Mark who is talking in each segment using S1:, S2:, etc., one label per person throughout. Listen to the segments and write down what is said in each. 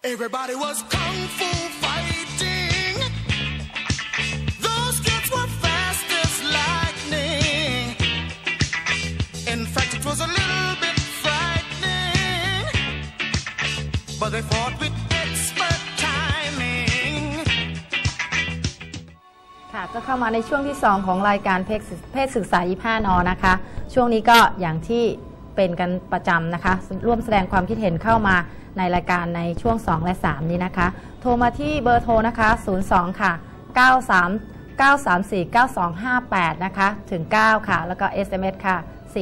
S1: Everybody was kung fu fighting. Those kids were fast as lightning. In fact, it was a little bit frightening, but they fought with expert timing.
S2: ค่ะก็เข้ามาในช่วงที่2ของรายการเพศศึกษา25 น.นะคะช่วงนี้ก็อย่างที่เป็นกันประจำนะคะร่วมแสดงความคิดเห็นเข้ามาในรายการในช่วง2และ3นี้นะคะโทรมาที่เบอร์โทรนะคะ02ค่ะ93 934 9258นะคะถึง9ค่ะแล้วก็ SMS ค่ะ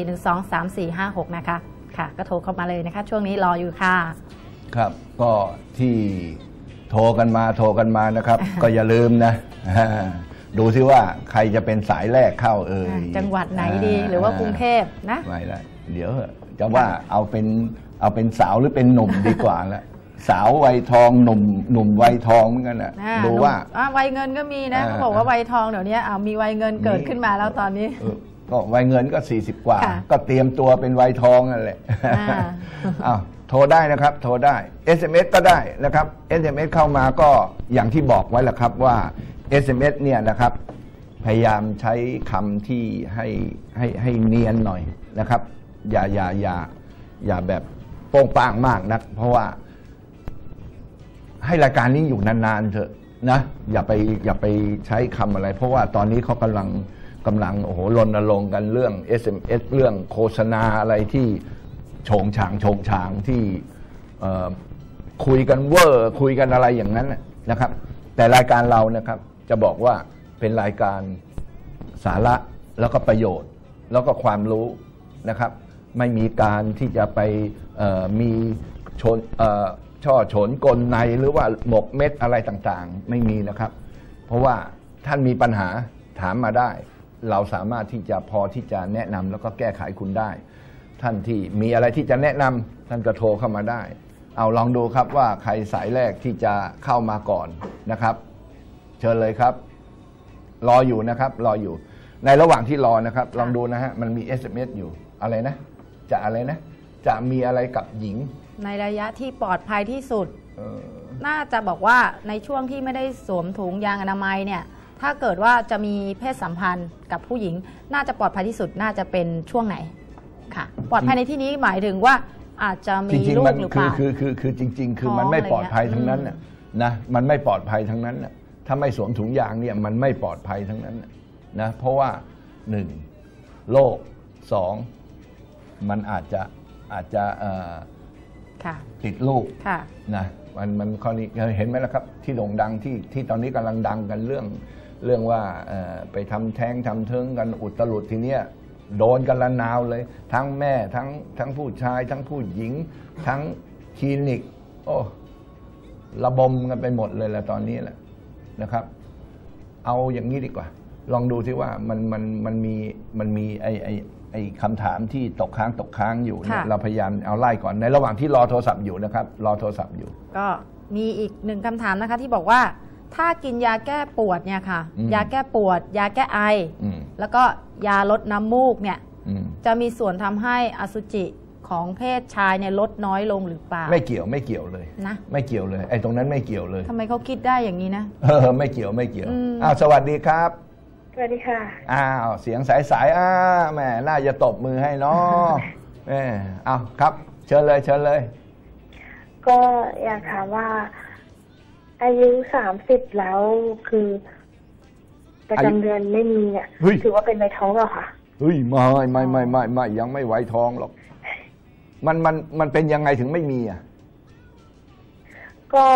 S2: 4123456นะคะค่ะก็โทรเข้ามาเลยนะคะช่วงนี้รออยู่ค่ะ
S3: ครับก็ที่โทรกันมานะครับ ก็อย่าลืมนะดูซิว่าใครจะเป็นสายแรกเข้า
S2: จังหวัดไหนดีหรือว่ากรุงเทพนะ
S3: ไม่ละเดี๋ยวจะว่าเอาเป็นสาวหรือเป็นหนุ่มดีกว่าละสาววัยทองหนุ่มวัยทองเหมือนกันนะดูว่า
S2: วัยเงินก็มีนะเขาบอกว่าวัยทองเดี๋ยวนี้มีวัยเงินเกิดขึ้นมาแล้วตอนนี้
S3: ก็วัยเงินก็40กว่าก็เตรียมตัวเป็นวัยทองนั่นแหละโทรได้นะครับโทรได้ SMS ก็ได้นะครับ SMS เข้ามาก็อย่างที่บอกไว้แหละครับว่า SMS เนี่ยนะครับพยายามใช้คำที่ให้เนียนหน่อยนะครับอย่าแบบโป้งป้างมากนักเพราะว่าให้รายการนี้อยู่นานๆเถอะนะอย่าไปใช้คำอะไรเพราะว่าตอนนี้เขากำลังโอ้โหรณรงค์กันเรื่อง SMS เรื่องโฆษณาอะไรที่โฉงฉางที่คุยกันเวอร์คุยกันอะไรอย่างนั้นนะครับแต่รายการเรานะครับจะบอกว่าเป็นรายการสาระแล้วก็ประโยชน์แล้วก็ความรู้นะครับไม่มีการที่จะไปมีช่อฉนกลในหรือว่าหมกเม็ดอะไรต่างๆไม่มีนะครับเพราะว่าท่านมีปัญหาถามมาได้เราสามารถที่จะพอที่จะแนะนำแล้วก็แก้ไขคุณได้ท่านที่มีอะไรที่จะแนะนำท่านก็โทรเข้ามาได้เอาลองดูครับว่าใครสายแรกที่จะเข้ามาก่อนนะครับเชิญเลยครับรออยู่นะครับรออยู่ในระหว่างที่รอนะครับลองดูนะฮะมันมี SMS อยู่อะไรนะจะอะไรนะจะมีอะไรกับหญิง
S2: ในระยะที่ปลอดภัยที่สุดน่าจะบอกว่าในช่วงที่ไม่ได้สวมถุงยางอนามัยเนี่ยถ้าเกิดว่าจะมีเพศสัมพันธ์กับผู้หญิงน่าจะปลอดภัยที่สุดน่าจะเป็นช่วงไหนค่ะปลอดภัยในที่นี้หมายถึงว่าอาจจะมีลูกหรือเปล่า
S3: คือจริงๆคือมันไม่ปลอดภัยทั้งนั้นนะมันไม่ปลอดภัยทั้งนั้นถ้าไม่สวมถุงยางเนี่ยมันไม่ปลอดภัยทั้งนั้นนะเพราะว่า1โรค2มันอาจจะติดลูกนะมันข้อนี้เห็นไหมล่ะครับที่โด่งดังที่ตอนนี้กำลังดังกันเรื่องว่าไปทำแท้งทำเทิงกันอุตลุดทีเนี้ยโดนกันละนาวเลยทั้งแม่ทั้งผู้ชายทั้งผู้หญิงทั้งคลินิกโอ้ระบมกันไปหมดเลยแหละตอนนี้แหละนะครับเอาอย่างนี้ดีกว่าลองดูที่ว่ามันมีไอ้คำถามที่ตกค้างอยู่เนี่ยเราพยายามเอาไล่ก่อนในระหว่างที่รอโทรศัพท์อยู่นะครับรอโทรศัพท์อยู่
S2: ก็มีอีก1คำถามนะคะที่บอกว่าถ้ากินยาแก้ปวดเนี่ยค่ะยาแก้ปวดยาแก้ไอแล้วก็ยาลดน้ำมูกเนี่ยจะมีส่วนทำให้อสุจิของเพศชายเนี่ยลดน้อยลงหรือเปล่า
S3: ไม่เกี่ยวเลยนะไม่เกี่ยวเลยไอ้ตรงนั้นไม่เกี่ยวเลย
S2: ทำไมเขาคิดได้อย่างนี้นะ
S3: ไม่เกี่ยวสวัสดีครับ
S4: สวัสดีค่ะ
S3: เสียงสายแหมน่าจะตบมือให้เนาะครับเชิญเลย
S4: ก็อยากถามว่าอายุ30แล้วคือประจำเดือนไม่มีเนี่ยถือว่าเป็นวัยท้องหรอคะ
S3: ไม่ยังไม่วัยท้องหรอกมันเป็นยังไงถึงไม่มีอ่ะ
S4: ก็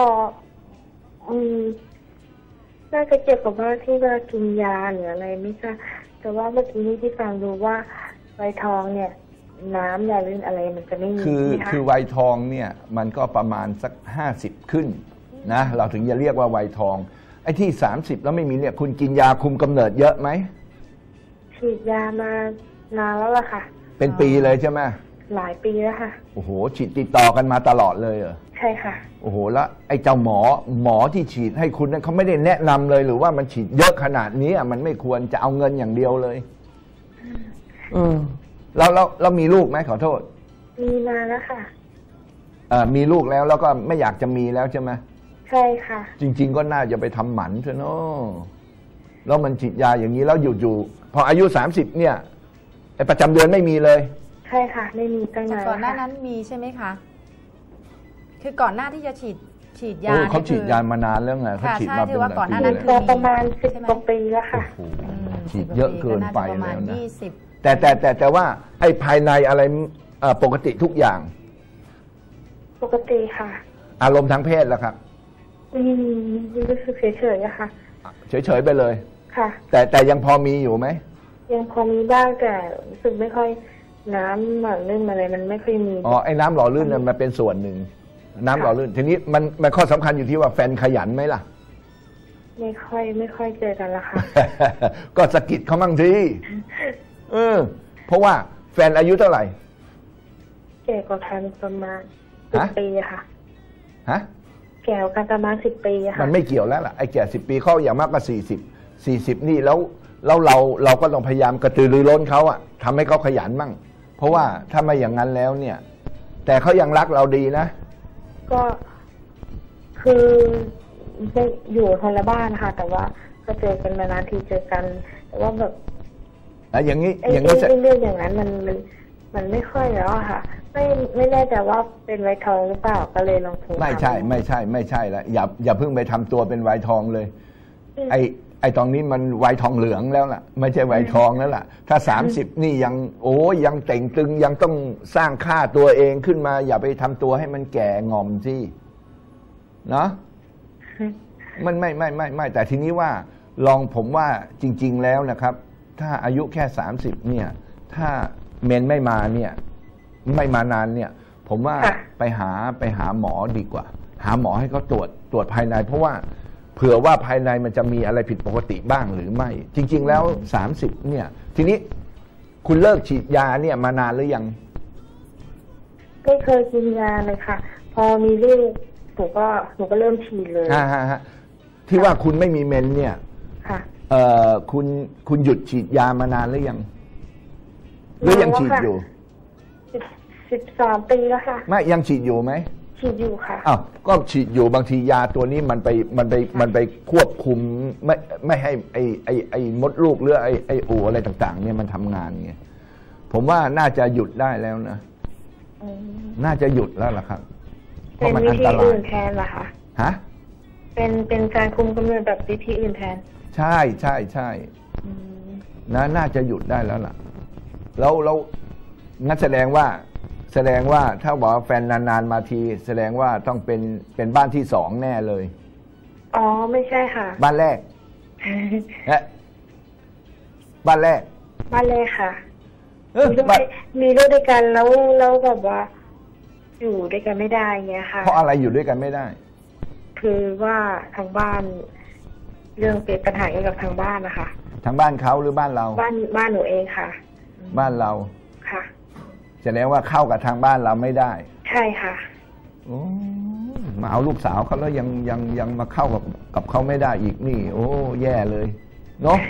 S4: น่าจะเกี่ยวกับว่าที่ว่ากินยาหรืออะไรไม่ทราบแต่ว่าเมื่อกี้นี้ที่ฟังดูว่าวัยทองเนี่ยน้ำยาลื่นอะไรมันจะไม่มี
S3: คือวัยทองเนี่ยมันก็ประมาณสัก50ขึ้นนะเราถึงจะเรียกว่าวัยทองไอ้ที่30แล้วไม่มีเนี่ยคุณกินยาคุมกำเนิดเยอะไหม
S4: ฉีดยามานานแล้วล่ะค่ะ
S3: เป็นปีเลยใช่ไหม
S4: หลายปีแล้วค่ะ
S3: โอ้โหฉีดติดต่อกันมาตลอดเลยเหรอ
S4: ใช่ค่ะ
S3: โอ้โหแล้วไอ้เจ้าหมอที่ฉีดให้คุณนั้นเขาไม่ได้แนะนำเลยหรือว่ามันฉีดเยอะขนาดนี้มันไม่ควรจะเอาเงินอย่างเดียวเลยแล้วมีลูกไหมขอโทษ
S4: มีมาแล้วค่ะ
S3: มีลูกแล้วก็ไม่อยากจะมีแล้วใช่ไหม
S4: ใช่ค่ะ
S3: จริงๆก็น่าจะไปทำหมันซะเนาะแล้วมันฉีดยาอย่างนี้แล้วอยู่พออายุ30เนี่ยไอ้ประจำเดือนไม่มีเลย
S4: ใช่ค่ะไม่มีตั้งนาน
S2: ก่อนหน้านั้นมีใช่ไหมคะคือก่อนหน้าที่จะฉีดยา
S3: เขาฉีดยามานานแล้วไงเขาฉีดมาเป็น
S2: ก่อนหน้านั้น
S4: คือประมาณ10 กว่าปีแล้วค่ะ
S3: ฉีดเยอะเกินไปแล้วนะแต่ว่าไอ้ภายในอะไรปกติทุกอย่าง
S4: ปกติค่ะ
S3: อารมณ์ทางเพศล่ะครับ
S4: รู้สึกเฉยๆอะค่ะ
S3: เฉยๆไปเลย
S4: ค่ะ
S3: แต่ยังพอมีอยู่ไหม
S4: ยังพอมีบ้างแต่รู้สึกไม่ค่อยน้ำหล่อลื่นอะไรมันไม่ค่อยมี
S3: ไอ้น้ำหล่อลื่นมันเป็นส่วนหนึ่งน้ำหล่อลื่นทีนี้มันข้อสำคัญอยู่ที่ว่าแฟนขยันไหมล่ะ
S4: ไม่ค่อยเจอกันละค่ะ
S3: ก็สะกิดเขามั่งทีเพราะว่าแฟนอายุเท่าไหร่
S4: แก่กว่ากันประมาณ10 ปีค่ะ
S3: ฮะ
S4: แก่กว่ากันประมาณ10 ปีค่ะ
S3: มันไม่เกี่ยวแล้วล่ะไอ้แก่10 ปีเขาอย่างมากก็40นี่แล้วเราก็ต้องพยายามกระตือรือร้นเขาอะทำให้เขาขยันมั่งเพราะว่าถ้าไม่อย่างนั้นแล้วเนี่ยแต่เขายังรักเราดีนะ
S4: ก็คืออยู่คนละบ้านค่ะแต่ว่าก็เจอกันนานๆทีเจอกันแต่ว่าแบบ
S3: อย่างนี้
S4: เรื่องอย่างนั้นมันไม่ค่อยแล้วอะค่ะไม่แน่ใจว่าเป็นไวทองหรือเปล่าก็เลยลองโทร
S3: ไม่ใช่แล้วอย่าเพิ่งไปทำตัวเป็นไวทองเลยไอ้ตรงนี้มันไวทองเหลืองแล้วล่ะไม่ใช่ไวทองแล้วล่ะถ้า30นี่ยังเต่งตึงยังต้องสร้างค่าตัวเองขึ้นมาอย่าไปทำตัวให้มันแก่งอมสิเนาะมันไม่แต่ทีนี้ว่าลองผมว่าจริงๆแล้วนะครับถ้าอายุแค่30เนี่ยถ้าเมนไม่มาเนี่ยไม่มานานเนี่ยผมว่าไปหาหมอดีกว่าหาหมอให้เขาตรวจภายในเพราะว่าเผื่อว่าภายในมันจะมีอะไรผิดปกติบ้างหรือไม่จริงๆแล้ว30เนี่ยทีนี้คุณเลิกฉีดยาเนี่ยมานานหรือยัง
S4: ไม่เคยกินยาเลยค่ะพอมีลูกหนูก็เริ่มฉีดเลย
S3: ที่ว่าคุณไม่มีเมนเนี่ยคุณหยุดฉีดยามานานหรือยังหรือยังฉีดอยู่
S4: 13 ปีแล้วค่ะ
S3: ไม่ยังฉีดอยู่ไหม
S4: ฉีดอยู่ค่ะ
S3: ก็ฉีดอยู่บางทียาตัวนี้มันไปควบคุมไม่ให้ไอ้มดลูกหรือไอ้อู่อะไรต่างๆเนี่ยมันทำงานไงผมว่าน่าจะหยุดได้แล้วนะน่าจะหยุดแล้วล่ะครับ
S4: เพราะมันอันตรายอื่นแทนเหรอคะ
S3: ฮะ
S4: เป็นการคุมกำเนิดแบบวิธีอื่นแทน
S3: ใช่น่าจะหยุดได้แล้วล่ะแล้วงั้นแสดงว่าถ้าบอกแฟนนานๆมาทีแสดงว่าต้องเป็นบ้านที่2แน่เลย
S4: อ๋อไม่ใช่ค่ะ
S3: บ้านแรกบ้านแรก
S4: ค่ะมีลูกด้วยกันแล้วแบบว่าอยู่ด้วยกันไม่ได้เงี้ยค่ะ
S3: เพราะอะไรอยู่ด้วยกันไม่ได้
S4: คือว่าทางบ้านเรื่องเป็นปัญหาเกี่ยวกับทางบ้านนะคะ
S3: ทางบ้านเขาหรือบ้านเรา
S4: บ้านหนูเองค่ะ
S3: บ้านเรา
S4: ค่ะ
S3: แสดงว่าเข้ากับทางบ้านเราไม่ได้
S4: ใช่ค่ะ
S3: โอ้มาเอาลูกสาวเขาแล้วยังมาเข้ากับเขาไม่ได้อีกนี่โอ้แย่เลยเนาะ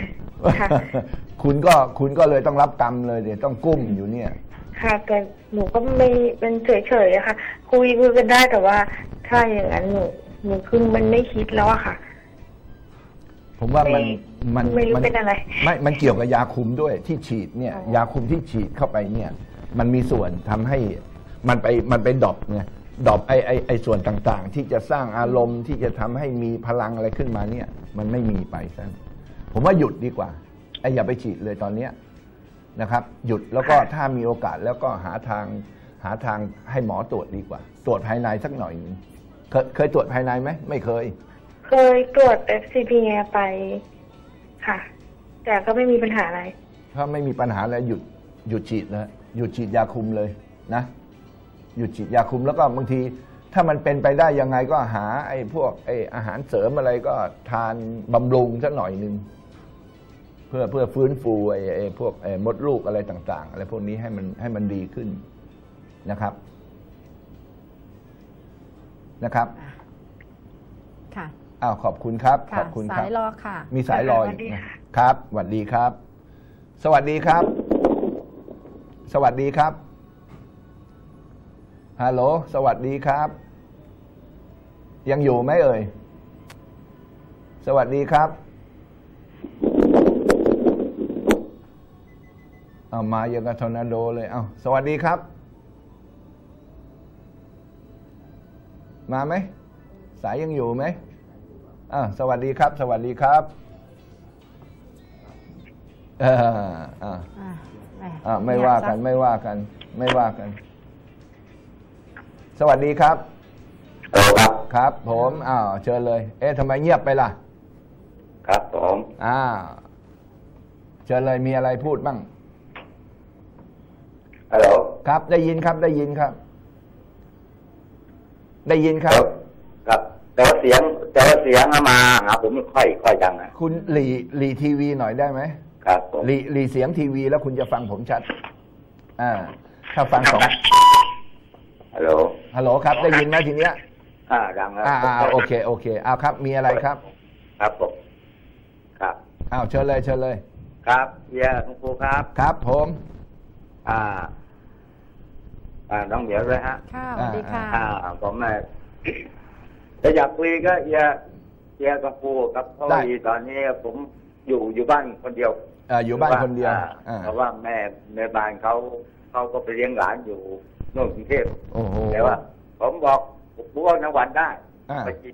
S3: คุณก็เลยต้องรับกรรมเลยเดี๋ยวต้องกุ้มอยู่เนี่ย
S4: ค่ะแต่หนูก็ไม่เป็นเฉยๆอะค่ะคุยกันได้แต่ว่าถ้าอย่างนั้นหนูคือมันไม่คิดแล้วอะค่ะ
S3: ผมว่ามัน
S4: ไม่รู้เป็นอะไร
S3: ไม่มันเกี่ยวกับยาคุมด้วยที่ฉีดเนี่ยยาคุมที่ฉีดเข้าไปเนี่ยมันมีส่วนทำให้มันไปดรอปไงดรอปไอส่วนต่างๆที่จะสร้างอารมณ์ที่จะทำให้มีพลังอะไรขึ้นมาเนี่ยมันไม่มีไปซะผมว่าหยุดดีกว่าอย่าไปฉีดเลยตอนเนี้ยนะครับหยุดแล้วก็ถ้ามีโอกาสแล้วก็หาทางให้หมอตรวจดีกว่าตรวจภายในสักหน่อยนึงเคยตรวจภายในไหมไม่เคย
S4: ตรวจ FCP ไปค่ะแต่ก็ไม่มีปัญหาอะไร
S3: ถ้าไม่มีปัญหาแล้วหยุดฉีดนะหยุดฉีดยาคุมเลยนะหยุดฉีดยาคุมแล้วก็บางทีถ้ามันเป็นไปได้ยังไงก็หาพวกอาหารเสริมอะไรก็ทานบำรุงสักหน่อยนึงเพื่อฟื้นฟูพวกมดลูกอะไรต่างๆอะไรพวกนี้ให้มันดีขึ้นนะครับ
S2: ค่ะ
S3: ขอบคุณครับขอบคุณครับ
S2: สายรอค่ะ
S3: มีสายรออีกนะครับสวัสดีครับสวัสดีครับสวัสดีครับฮัลโหลสวัสดีครับ ยังอยู่ไหมเอ่ยสวัสดีครับเอามาอย่างกับทอร์นาโดเลยเอาสวัสดีครับมาไหมสายยังอยู่ไหมสวัสดีครับสวัสดีครับไม่ว่ากันไม่ว่ากันไม่ว่ากันสวัสดีครับครับผมเชิญเลยทำไมเงียบไปล่ะ
S5: ครับผม
S3: เชิญเลยมีอะไรพูดบ้าง
S5: ฮัลโหล
S3: ครับได้ยินครับได้ยินครับได้ยินครับ
S5: ครับแต่ว่าเสียงมาหาผมไม่ค่อยดังนะ
S3: คุณหลีทีวีหน่อยได้ไหม
S5: ครับผม
S3: หลีเสียงทีวีแล้วคุณจะฟังผมชัดถ้าฟังสอง
S5: ฮัลโหล
S3: ฮัลโหลครับได้ยินไหมทีเนี้ย
S5: ดังครับ
S3: โอเคครับมีอะไรครับ
S5: ครับผมครับ
S3: เชิญเลยเชิญเลย
S5: ครับเฮียคุณครูครับ
S3: ครับผม
S5: น้องเหมียวเลยฮะ
S2: ค่ะสวัสดีค่ะ
S5: ผมจะอยากคุยก็เฮียกับครูครับเพราะว่าตอนนี้ผมอยู่บ้านคนเดียว
S3: อยู่บ้านคนเดียว
S5: เพราะว่าแม่บ้านเขาก็ไปเลี้ยงหลานอยู่โน่นกรุงเทพแต่ว่าผมบอกผมว่าทั้งวันได้ไปกิน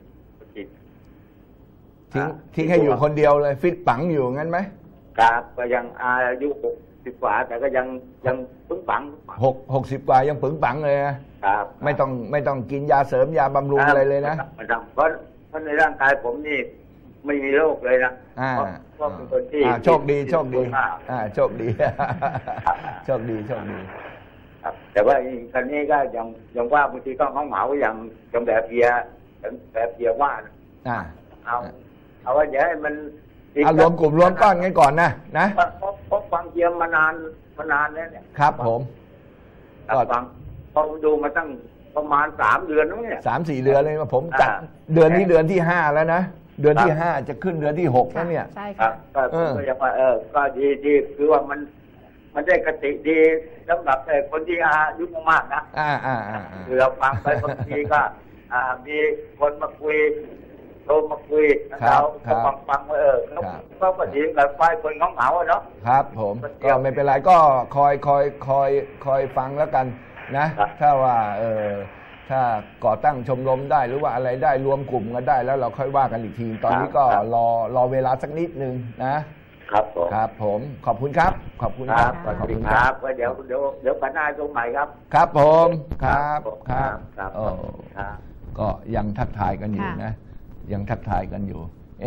S3: ทิ้งให้อยู่คนเดียวเลยฟิตปังอยู่งั้นไหม
S5: ครับก็ยังอายุ60 กว่าแต่ก็ยังปึ้งปัง
S3: 60 กว่ายังปึ้งปังเลยนะครับไม่ต้องกินยาเสริมยาบำรุงอะไรเลยนะ
S5: ไม่ต้องเพราะในร่างกายผมนี่ไม่มีโรคเลยนะเพราะเป็นคนที่
S3: โชคดีโชคดีโชคดีโชคดี
S5: แต่ว่าครั้นี้ก็ยังว่าบางทีก็เหงาอย่างแบบเพียว่าเอาว่าอย่าให้มัน
S3: รวมกลุ่มรวมก้อนกันก่อนนะ
S5: เพราะฟังเพียมานานแล้วเนี่ย
S3: ครับผม
S5: ก็ฟังพอดูมาตั้งประมาณ3 เดือนแล้วเนี่ย
S3: 3-4 เดือนเลยผมจัดเดือนนี้เดือนที่5แล้วนะเดือนที่5จะขึ้นเดือนที่6แล้วเนี่ย
S2: ใช่ครับ
S5: ก็ยังว่าก็ดีคือว่ามันได้กติดีสำหรับคนที่อายุมากนะคือเราฟังไปบางทีก็มีคนมาคุยโทรมาคุยเราฟังเขาก็ดีกับไฟคนเหงาเนาะ
S3: ครับผมก็ไม่เป็นไรก็คอยฟังแล้วกันนะถ้าว่าถ้าก่อตั้งชมรมได้หรือว่าอะไรได้รวมกลุ่มกันได้แล้วเราค่อยว่ากันอีกทีตอนนี้ก็รอเวลาสักนิดนึงนะครับผมครับผมขอบคุณครับขอบคุณครับ
S5: ขอบคุณครับเดี๋ยวปัญหาตรงใหม่ครับ
S3: ครับผมครับก็ยังทักทายกันอยู่นะยังทักทายกันอยู่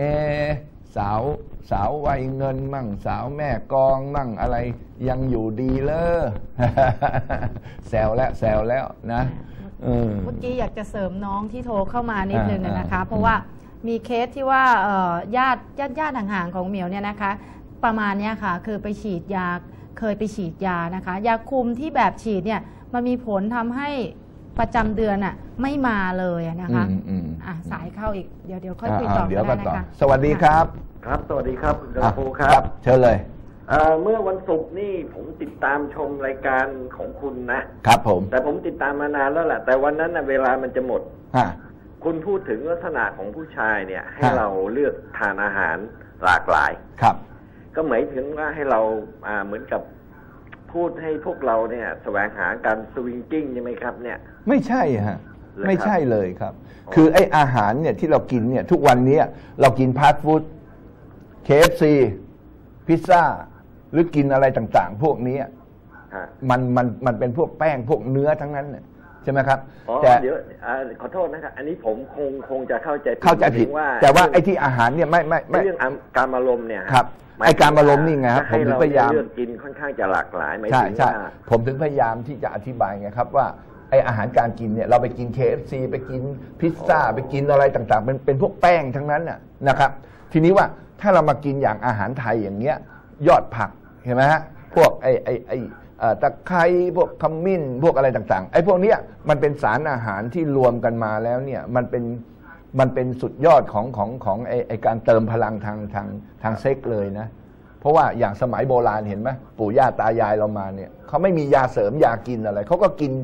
S3: สาววัยเงินมั่งสาวแม่กองมั่งอะไรยังอยู่ดีเลยแซวแล้วนะ
S2: เมื่อกี้อยากจะเสริมน้องที่โทรเข้ามานิดนึงนะคะเพราะว่ามีเคสที่ว่าญาติห่างๆของเหมียวเนี่ยนะคะประมาณนี้ค่ะคือไปฉีดยาเคยไปฉีดยานะคะยาคุมที่แบบฉีดเนี่ยมันมีผลทำให้ประจำเดือนไม่มาเลยนะคะสายเข้าอีกเดี๋ยวค่อยคุยต่อกันนะคะ
S3: สวัสดีครับ
S6: ครับสวัสดีครับคุณครู
S3: ครับเชิญเลย
S6: เมื่อวันศุกร์นี่ผมติดตามชมรายการของคุณ
S3: นะครับผม
S6: แต่ผมติดตามมานานแล้วแหละแต่วันนั้นเวลามันจะหมดคุณพูดถึงลักษณะของผู้ชายเนี่ยให้เราเลือกทานอาหารหลากหลาย
S3: ครับ
S6: ก็หมายถึงว่าให้เราเหมือนกับพูดให้พวกเราเนี่ยแสวงหาการสวิงกิ้งใช่ไหมครับเนี่ย
S3: ไม่ใช่ฮะไม่ใช่เลยครับคือไอ้อาหารเนี่ยที่เรากินเนี่ยทุกวันนี้เรากินฟาสต์ฟู้ด KFC พิซซ่าหรือกินอะไรต่างๆพวกนี้มันเป็นพวกแป้งพวกเนื้อทั้งนั้นเนี่ยใช่ไหมครับ
S6: แต่เดี๋ยวขอโทษนะครับอันนี้ผมคงจะเข้าใจ
S3: ผิดว่าแต่ว่าไอ้ที่อาหารเนี่ยไม่
S6: เรื่องการอารมณ์เนี่ย
S3: ครับไอ้การอารมณ์นี่ไงครับผมถึงพยายาม
S6: เลือกกินค่อนข้างจะหลากหลายหมายถึง
S3: ว่าผมถึงพยายามที่จะอธิบายไงครับว่าไอ้อาหารการกินเนี่ยเราไปกิน KFC ไปกินพิซซ่าไปกินอะไรต่างๆเป็นพวกแป้งทั้งนั้นนะครับทีนี้ว่าถ้าเรามากินอย่างอาหารไทยอย่างเงี้ยยอดผักเห็นไหมฮะพวกไอ้ตะไคร้พวกขมิ้นพวกอะไรต่างๆไอ้พวกเนี้ยมันเป็นสารอาหารที่รวมกันมาแล้วเนี่ยมันเป็นสุดยอดของไอ้การเติมพลังทางเซ็กเลยนะเพราะว่าอย่างสมัยโบราณเห็นไหมปู่ย่าตายายเรามาเนี่ยเขาไม่มียาเสริมยากินอะไรเขาก็กิน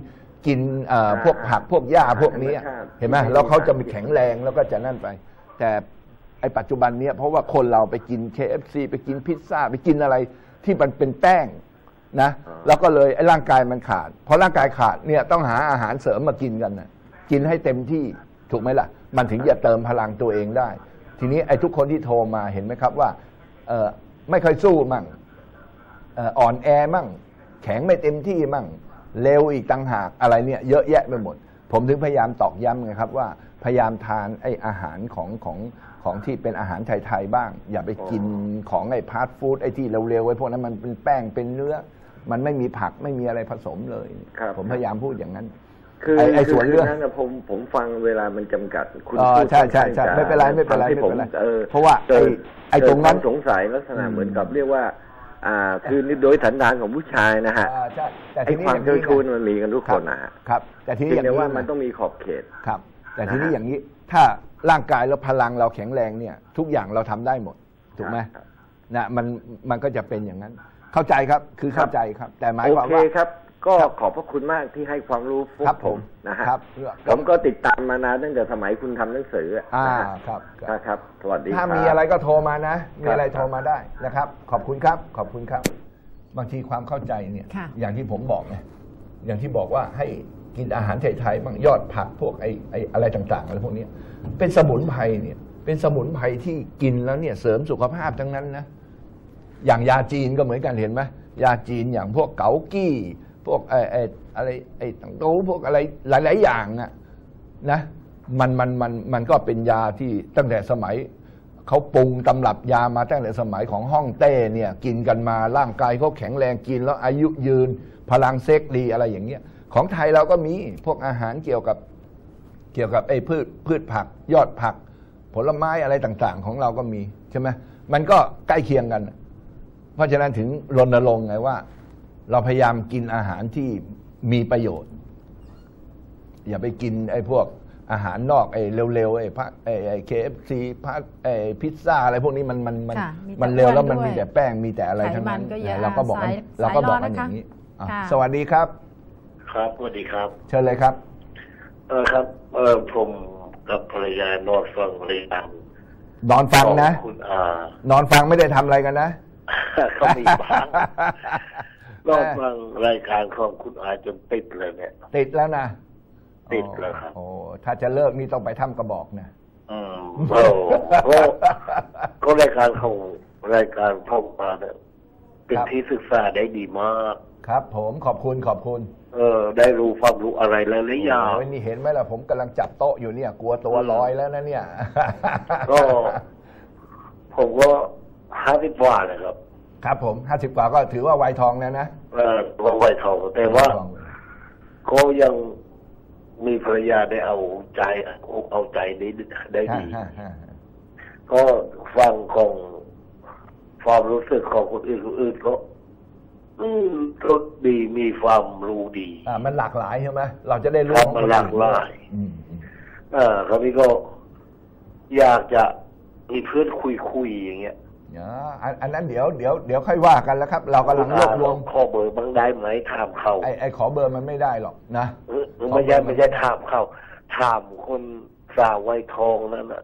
S3: กินพวกผักพวกหญ้าพวกนี้เห็นไหมแล้วเขาจะมีแข็งแรงแล้วก็จะนั่นไปแต่ไอ้ปัจจุบันเนี้ยเพราะว่าคนเราไปกิน KFC ไปกินพิซซ่าไปกินอะไรที่มันเป็นแป้งนะแล้วก็เลยไอ้ร่างกายมันขาดพอร่างกายขาดเนี่ยต้องหาอาหารเสริมมากินกันนะกินให้เต็มที่ถูกไหมล่ะมันถึงจะเติมพลังตัวเองได้ทีนี้ไอ้ทุกคนที่โทรมาเห็นไหมครับว่าไม่ค่อยสู้มั่งอ่อนแอมั่งแข็งไม่เต็มที่มั่งเร็วอีกต่างหากอะไรเนี่ยเยอะแยะไปหมดผมถึงพยายามตอกย้ำไงครับว่าพยายามทานไอ้อาหารของที่เป็นอาหารไทยๆบ้างอย่าไปกินของไอ้พาสต์ฟู้ดไอ้ที่เร็วๆไว้พวกนั้นมันเป็นแป้งเป็นเนื้อมันไม่มีผักไม่มีอะไรผสมเลยผมพยายามพูดอย่างนั้น
S6: คือไอ้ส่วนเรื่องนั้นผมฟังเวลามันจำกัดคุณพูด
S3: ใช่ไม่เป็นไรไม่เป็นไรเพราะว่าไอ้ตรงนั้น
S6: สงสัยลักษณะเหมือนกับเรียกว่าคือโดยสันดานของผู้ชายนะฮะไอ้ความเจ้าชู้มันมีกันทุกคนนะฮะ
S3: ครับแต่ทีนี้อย่างนี้
S6: ว่ามันต้องมีขอบเขต
S3: ครับแต่ทีนี้อย่างนี้ถ้าร่างกายแล้วพลังเราแข็งแรงเนี่ยทุกอย่างเราทำได้หมดถูกไหมนะมันก็จะเป็นอย่างนั้นเข้าใจครับคือเข้าใจครับแต่หมายความว่า
S6: โอเคครับก็ขอบพระคุณมากที่ให้ความรู้พวกผมนะฮะผมก็ติดตามมานานตั้งแต่สมัยคุณทำหนังสือครับสวัสดี
S3: ถ้ามีอะไรก็โทรมานะมีอะไรโทรมาได้นะครับขอบคุณครับขอบคุณครับบางทีความเข้าใจเนี่ยอย่างที่ผมบอกไงอย่างที่บอกว่าให้กินอาหารไทยๆบ้างยอดผักพวกไอ้อะไรต่างๆอะไรพวกนี้เป็นสมุนไพรเนี่ยเป็นสมุนไพรที่กินแล้วเนี่ยเสริมสุขภาพทั้งนั้นนะอย่างยาจีนก็เหมือนกันเห็นไหมยาจีนอย่างพวกเกากี้พวกอะไรต่างโตพวกอะไรหลายๆอย่างนะมันก็เป็นยาที่ตั้งแต่สมัยเขาปรุงตำรับยามาตั้งแต่สมัยของฮ่องเต้เนี่ยกินกันมาร่างกายเขาแข็งแรงกินแล้วอายุยืนพลังเซ็กดีอะไรอย่างเงี้ยของไทยเราก็มีพวกอาหารเกี่ยวกับไอ้พืชผักยอดผักผลไม้อะไรต่างๆของเราก็มีใช่ไหมมันก็ใกล้เคียงกันเพราะฉะนั้นถึงรณรงค์ไงว่าเราพยายามกินอาหารที่มีประโยชน์อย่าไปกินไอ้พวกอาหารนอกไอ้เร็วๆไอ้KFCพิซซ่าอะไรพวกนี้มันเร็วแล้วมันมีแต่แป้งมีแต่อะไรทั้งนั้นเราก็บอกกันอย่างนี้สวัสดีครับ
S7: ครับสวัสดีครับ
S3: เชิญเลยครับ
S7: ครับผมกับภรรยานอนฟังรายการ
S3: นอนฟังนะนอนฟังไม่ได้ทำอะไรกันนะ
S7: เขามีบ้างนอนฟังรายการของคุณอาจนติดเลยเนี่ย
S3: ติดแล้วนะ
S7: ติดแล้วครับ
S3: โอ้ถ้าจะเลิกนี่ต้องไปถ้ำกระบอกนะ
S7: ก็รายการของรายการพ่อมาเนี่ยเป็นที่ศึกษาได้ดีมาก
S3: ครับผมขอบคุณ
S7: ได้รู้ความรู้อะไรหลายๆอย่าง
S3: นี่เห็นไหมล่ะผมกำลังจับโต๊ะอยู่เนี่ยกลัวตัวลอยแล้วนะเนี่ย
S7: ก็ผมก็50 กว่าเลยครับ
S3: ครับผม50 กว่าก็ถือว่าวัยทองแล้วนะ
S7: วัยทองแต่ว่าก็ยังมีภรรยาได้เอาใจได้ดีก็ฟังของความรู้สึกของคนอื่นก็รสดีมีความรู้ดี
S3: มันหลากหลายใช่ไหมเราจะได้รู้
S7: มันหลากหลายคราวนี้ก็อยากจะมีเพื่อนคุยอย่างเงี้ย
S3: อันนั้นเดี๋ยวค่อยว่ากันแล้วครับเรากำลังรวบรวม
S7: ขอเบอร์บ้างได้ไหมถามเขา
S3: ไอ้ขอเบอร์มันไม่ได้หรอกนะ
S7: ไม่ใช่ถามเขาถามคนสาววัยทองนั่นน่ะ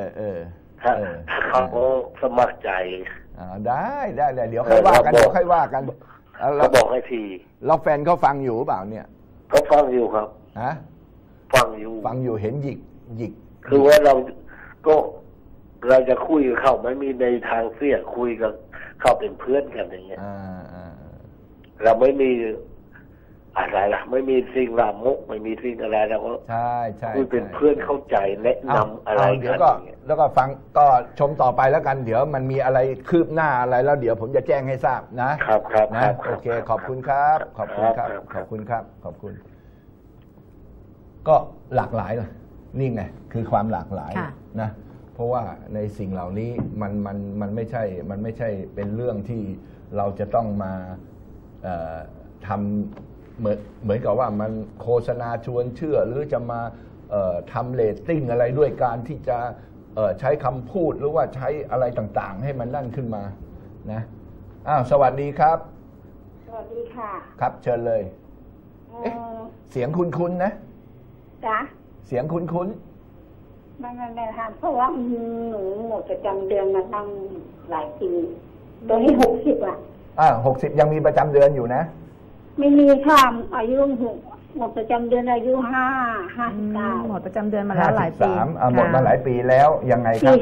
S7: เขาสมัครใจ
S3: ได้เดี๋ยวค่อยว่ากัน
S7: เราบอกให้ที
S3: เราแฟนเขาฟังอยู่เปล่าเนี่ย
S7: เขาฟังอยู่ครับฟัง
S3: อยู่เห็นหยิก
S7: คือว่าเราจะคุยกับเขาไม่มีในทางเสียคุยกับเขาเป็นเพื่อนกันอย่างเงี้ยเราไม่มีอะไรล่ะไม่มีสิ่งลามกไม่มีสิ่งอะไรเราก็
S3: ใช่
S7: คุยเป็นเพื่อนเข้าใจแนะนำอะไรกัน
S3: แล้วก็ฟังก็ชมต่อไปแล้วกันเดี๋ยวมันมีอะไรคืบหน้าอะไรแล้วเดี๋ยวผมจะแจ้งให้ทราบ
S7: นะครับ
S3: นะโอเคขอบคุณครับขอบคุณก็หลากหลายเลยนี่ไงคือความหลากหลายนะเพราะว่าในสิ่งเหล่านี้มันไม่ใช่เป็นเรื่องที่เราจะต้องมาทำเหมือนกับว่ามันโฆษณาชวนเชื่อหรือจะมาทำเรตติ้งอะไรด้วยการที่จะใช้คำพูดหรือว่าใช้อะไรต่างๆให้มันนั่นขึ้นมานะสวัสดีครับ
S8: สวัสดีค่ะ
S3: ครับเชิญเลยเอ๊ะเสียงคุ้นๆนะ
S8: จ๊ะ
S3: เสียงคุ้น
S8: ๆไม่ค่ะเพราะว่าหนูหมดประจำเดือนมาตั้งหลายปีตัวนี้60อ่ะ
S3: 60ยังมีประจำเดือนอยู่นะ
S8: ไม่มีค่ะอายุหมดประจำเดือนอายุ59
S2: หมดประจำเดือนมาแล้วหลายปี
S3: หมดมาหลายปีแล้วยังไงครับ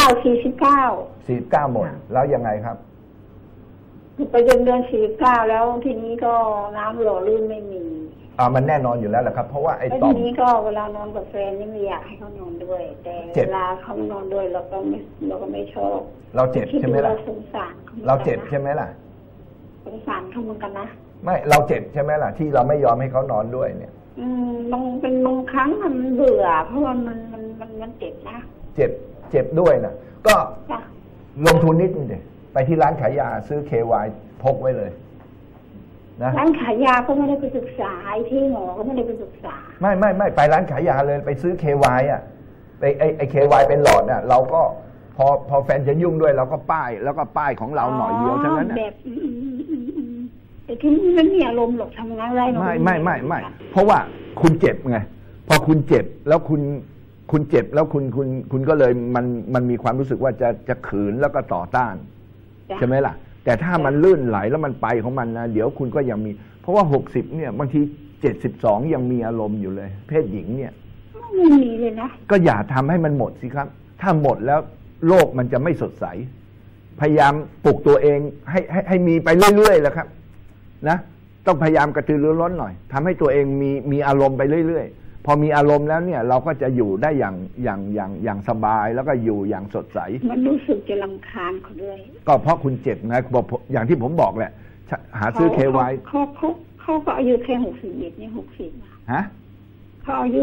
S8: 49
S3: หมดแล้วยังไงครับ
S8: ประจำเดือน49แล้วทีนี้ก็น้ำหล่อลื่นไม่มี
S3: มันแน่นอนอยู่แล้วแหละครับเพราะว่าไอ้ต่อม
S8: ทีนี้ก็เวลานอนกับแฟนนี่ไม่อยากให้เขานอนด้วยแต่เวลาเขานอนด้วยเราก็ไม่ชอบ
S3: เราเจ็บใช่ไหมล่ะเราเจ็บใช่ไหมล่ะ
S8: สงสารเขาเหมือนกันนะ
S3: ไม่เราเจ็บใช่ไหมล่ะที่เราไม่ยอมให้เขานอนด้วยเนี่ย
S8: บางครั้งมันเบื่อเพราะว่ามันเจ็บนะ
S3: เจ็บด้วยนะก็ลงทุนนิดนึงดิไปที่ร้านขายยาซื้อ KY พกไว้เลยนะ
S8: ร้านขายยาก็ไม่ได้ไปศึกษาที่หมอก็ไม่ได้ไปศึกษา
S3: ไม่ไปร้านขายยาเลยไปซื้อ KY อ่ะไปไอ้ KY เป็นหลอดน่ะเราก็พอแฟนจะยุ่งด้วยเราก็ป้ายแล้วก็ป้ายของเราหน่อยเดียวเท่านั้น
S8: แบบแต่ที่นี่มันมีอารมณ์หรอกทำงานอะไร
S3: ไม่เพราะว่าคุณเจ็บไงพอคุณเจ็บแล้วคุณเจ็บแล้วคุณก็เลยมันมีความรู้สึกว่าจะขืนแล้วก็ต่อต้านใช่ไหมล่ะแต่ถ้ามันลื่นไหลแล้วมันไปของมันนะเดี๋ยวคุณก็ยังมีเพราะว่า60เนี่ยบางที72ยังมีอารมณ์อยู่เลยเพศหญิงเนี่ย
S8: ไม่มีเลยนะ
S3: ก็อย่าทำให้มันหมดสิครับถ้าหมดแล้วโลกมันจะไม่สดใสพยายามปลุกตัวเองให้มีไปเรื่อยๆแหละครับนะต้องพยายามกระตือรือร้นหน่อยทำให้ตัวเองมีอารมณ์ไปเรื่อยๆพอมีอารมณ์แล้วเนี่ยเราก็จะอยู่ได้อย่างสบายแล้วก็อยู่อย่างสดใส
S8: มันรู้สึกจะรำคาญเขาด้วย
S3: ก็เพราะคุณเจ็บนะบอกอย่างที่ผมบอกแหละหาซื้อ KY
S8: เขาก็อายุแค่61นี่60
S3: ฮะ
S8: เขาอายุ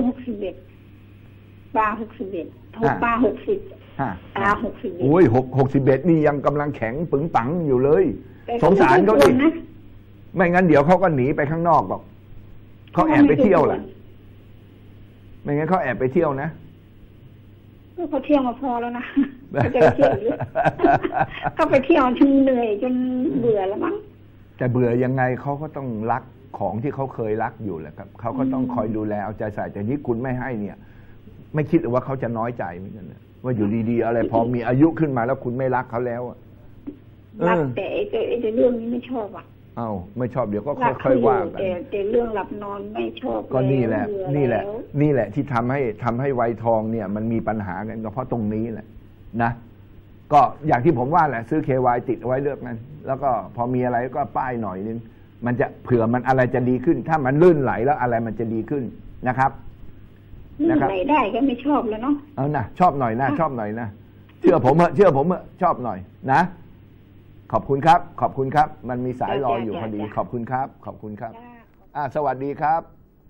S8: 61ป้า61ทุกป้า60ตา61
S3: โอ้ย61นี่ยังกำลังแข็งปึงปังอยู่เลยสงสารเขาดิไม่งั้นเดี๋ยวเขาก็หนีไปข้างนอกหรอกเขาแอบไปเที่ยวแหละไม่งั้นเขาแอบไปเที่ยวนะ
S8: เขาเที่ยวมาพอแล้วนะจะเที่ยวก็ไปเที่ยวจนเหนื่อยจนเบื่อแล้วมั้ง
S3: แต่เบื่อยังไงเขาก็ต้องรักของที่เขาเคยรักอยู่แหละครับเขาก็ต้องคอยดูแลเอาใจใส่แต่นี้คุณไม่ให้เนี่ยไม่คิดว่าเขาจะน้อยใจเหมือนกันนะว่าอยู่ดีๆอะไรพอมีอายุขึ้นมาแล้วคุณไม่รักเขาแล้ว
S8: รักแต่เรื่องนี้ไม่ชอบ
S3: ไม่ชอบเดี๋ยวก็ค่อยๆว่ากัน
S8: แต่เรื่องหลับนอนไม่ชอบ
S3: ก็นี่แหละที่ทำให้วัยทองเนี่ยมันมีปัญหากันก็เพราะตรงนี้แหละนะก็อย่างที่ผมว่าแหละซื้อ KY ติดไว้เลือกนั้นแล้วก็พอมีอะไรก็ป้ายหน่อยนึงมันจะเผื่อมันอะไรจะดีขึ้นถ้ามันลื่นไหลแล้วอะไรมันจะดีขึ้นนะครับ
S8: ลื่นไหลได้ก็ไม่ชอบแล้วเนาะ
S3: นะชอบหน่อยนะเชื่อผมชอบหน่อยนะขอบคุณครับมันมีสายรออยู่พอดีขอบคุณครับสวัสดีครับ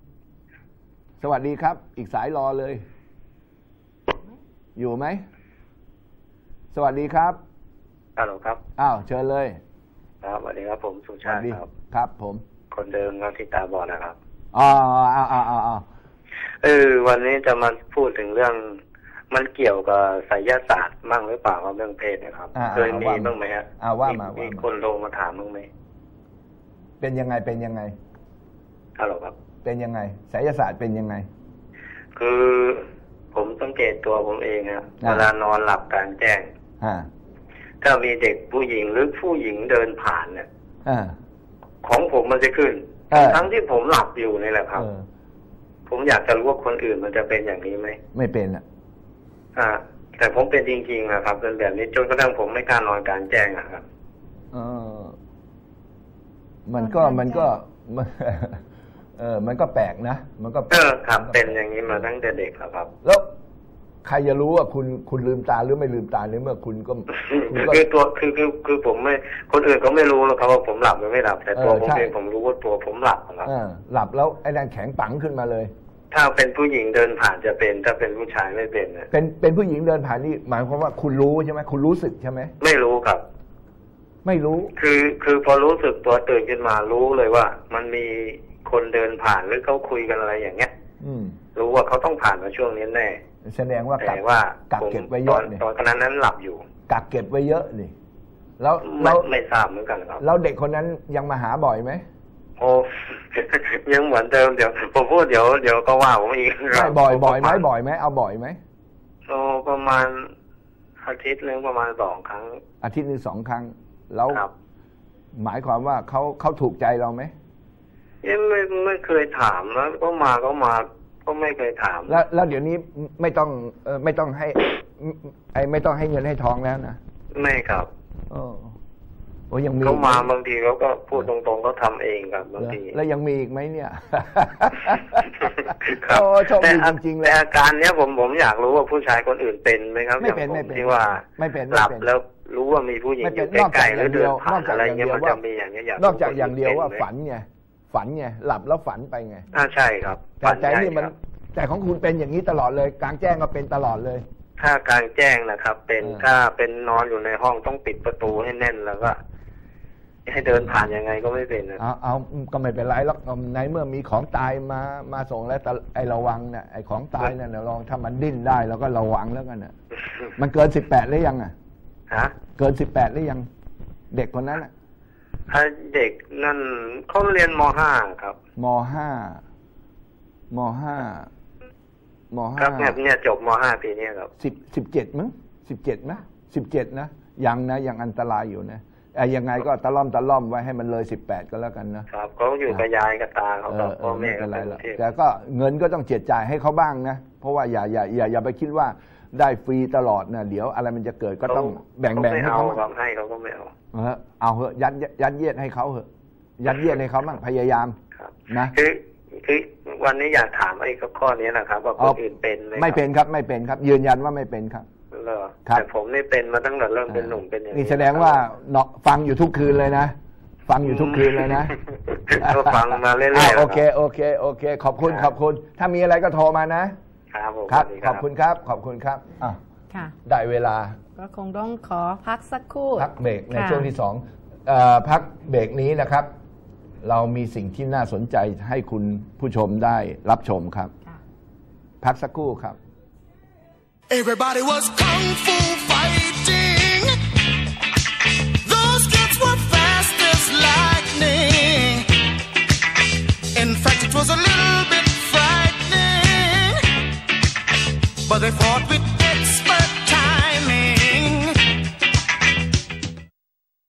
S3: อีกสายรอเลยอยู่ไหมสวัสดีครับ
S9: ฮัลโหลครับ
S3: เชิญเลย
S9: ครับสวัสดีครับผมสุชาติ
S3: ครับผม
S9: คนเดิมครับที่ตาบอดนะครับวันนี้จะมาพูดถึงเรื่องมันเกี่ยวกับไสยศาสตร์มั่งหรือเปล่าครับเรื่องเพศนะครับเคยมีบ้างไหมฮะ
S3: ว่ามี
S9: คนโทรมาถามบ้างไหม
S3: เป็นยังไง
S9: ฮัลโหลครับ
S3: เป็นยังไงไสยศาสตร์เป็นยังไง
S9: คือผมสังเกตตัวผมเองครับเวลานอนหลับกลางแจ้งถ้ามีเด็กผู้หญิงหรือผู้หญิงเดินผ่านเนี่ยของผมมันจะขึ้นทั้งที่ผมหลับอยู่นี่แหละครับผมอยากจะรู้ว่าคนอื่นมันจะเป็นอย่างนี้ไหม
S3: ไม่เป็นอ่ะ
S9: แต่ผมเป็นจริงๆนะครับเป็นแบบนี้จนกระทั่งผมไม่กล้านอนกลางแจ้งครับ
S3: มันก็มันก็แปลกนะมันก็
S9: ครับเป็นอย่างนี้มาตั้งแต่เด็กครับ
S3: แล้วใครจะรู้ว่าคุณลืมตาหรือไม่ลืมตาในเมื่อคุณก็
S9: คือตัวคือผมไม่คนอื่นก็ไม่รู้หรอกครับว่าผมหลับหรือไม่หลับแต่ตัวผมเองผมรู้ว่าตัวผมหลับครับ
S3: หลับแล้วไอ้นั่นแข็งปังขึ้นมาเลย
S9: ถ้าเป็นผู้หญิงเดินผ่านจะเป็นถ้าเป็นผู้ชายไม่เป็นนะ
S3: เป็นผู้หญิงเดินผ่านนี่หมายความว่าคุณรู้ใช่ไหมคุณรู้สึกใช่ไหม
S9: ไม่รู้ครับ
S3: ไม่รู้
S9: คือพอรู้สึกตัวตื่นขึ้นมารู้เลยว่ามันมีคนเดินผ่านหรือเขาคุยกันอะไรอย่างเงี้ยรู้ว่าเขาต้องผ่านมาช่วงนี้แน่
S3: แสดงว่ากักเก็บไว้เยอะ
S9: ตอนนั้นหลับอยู่
S3: กักเก็บไว้เยอะนี่แล้ว
S9: ไม่ทราบเหมือนกันครับ
S3: แล้วเด็กคนนั้นยังมาหาบ่อยไหม
S9: โอ้ยังเหมือนเดิมเดี๋ยวผมพูดเดี๋ยวก็ว่าผมอีก
S3: บ่อยไหมเอาบ่อยไหม
S9: โอ้ประมาณอาทิตย์นึงประมาณ2 ครั้ง
S3: อาทิตย์นึง2 ครั้งแล้วหมายความว่าเขาถูกใจเราไหม
S9: ยังไม่เคยถามแล้วก็มาก็ไม่เคยถาม
S3: แล้วเดี๋ยวนี้ไม่ต้องให้ไม่ต้องให้เงินให้ทองแล้วนะ
S9: ไม่ครับ
S3: โอ้ยังมี
S9: เขามาบางทีเขาก็พูดตรงๆเขาทำเองครับบางที
S3: แล้วยังมีอีกไหมเนี่ยโอ้โชคดีจริงๆเลย
S9: แต่อาการเนี้ยผมอยากรู้ว่าผู้ชายคนอื่นเป็นไหมครับ
S3: ไม่เป็น
S9: ที่ว่า
S3: ไม่เป็น
S9: หลับแล้วรู้ว่ามีผู้หญิงอยู่ใกล้ๆหรือเดินผ่านอะไรเงี้ยมันจะมีอย่างเงี้ย
S3: นอกจากอย่างเดียวว่าฝันไงหลับแล้วฝันไปไง
S9: ใช่ครับ
S3: แต่นี่มันแต่ของคุณเป็นอย่างนี้ตลอดเลยกลางแจ้งก็เป็นตลอดเลย
S9: ถ้ากลางแจ้งนะครับเป็นถ้าเป็นนอนอยู่ในห้องต้องปิดประตูให้แน่นแล้วก็ให้เดินผ่านยังไงก็ไม่เป็น
S3: เอาก็ไม่เป็นไรหรอกในเมื่อมีของตายมาส่งแล้วไอ้ระวังเนี่ยไอ้ของตายเนี่ยลองถ้ามันดิ้นได้เราก็ระวังแล้วกันน่ะมันเกิน18หรือยังเกิน18หรือยังเด็กคนนั้น
S9: เด็กนั่นเขาเรียนม.5 ครับ
S3: ม.5
S9: ครับเนี่ยจบม.5 ปีนี้ครับ
S3: 17มั้ง17นะ17นะยังอันตรายอยู่นะยังไงก็ตะล่อมไว้ให้มันเลย18ก็แล้วกัน
S9: นะครับเขาอยู่กับยายกับตาเขากับพ่อแม่
S3: อะไรแต่ก็เงินก็ต้องเจียดจ่ายให้เขาบ้างนะเพราะว่าอย่าไปคิดว่าได้ฟรีตลอดนะเดี๋ยวอะไรมันจะเกิดก็ต้องแบ่งให้เขา
S9: ให้เขาก็ไม่เอา
S3: เอาเหอะยัดเยียดให้เขาเหอะยัดเยียดให้เขาบ้างพยายามนะ
S9: คือวันนี้อยากถามไอ้ข้อนี้นะครับว่าคนอื่นเป็นไหม
S3: ไม่เป็นครับไม่เป็นครับยืนยันว่าไม่เป็นครับ
S9: แต่ผมนี่เป็นมาตั้งแต่เริ่มเป็นหนุ่มเป็นอย่างนี้
S3: นี่แสดงว่าฟังอยู่ทุกคืนเลยนะฟังอยู่ทุกคืนเลยนะ
S9: ก็ฟังมาเรื่อย
S3: ๆโอเคขอบคุณถ้ามีอะไรก็โทรมานะครับขอบคุณครับได้เวลา
S2: ก็คงต้องขอพักสักครู่
S3: พักเบรกในช่วงที่2พักเบรกนี้นะครับเรามีสิ่งที่น่าสนใจให้คุณผู้ชมได้รับชมครับพักสักครู่ครับ
S1: Everybody was kung fu fighting. Those kids were fast as lightning. In fact, it was a little bit frightening, but they fought with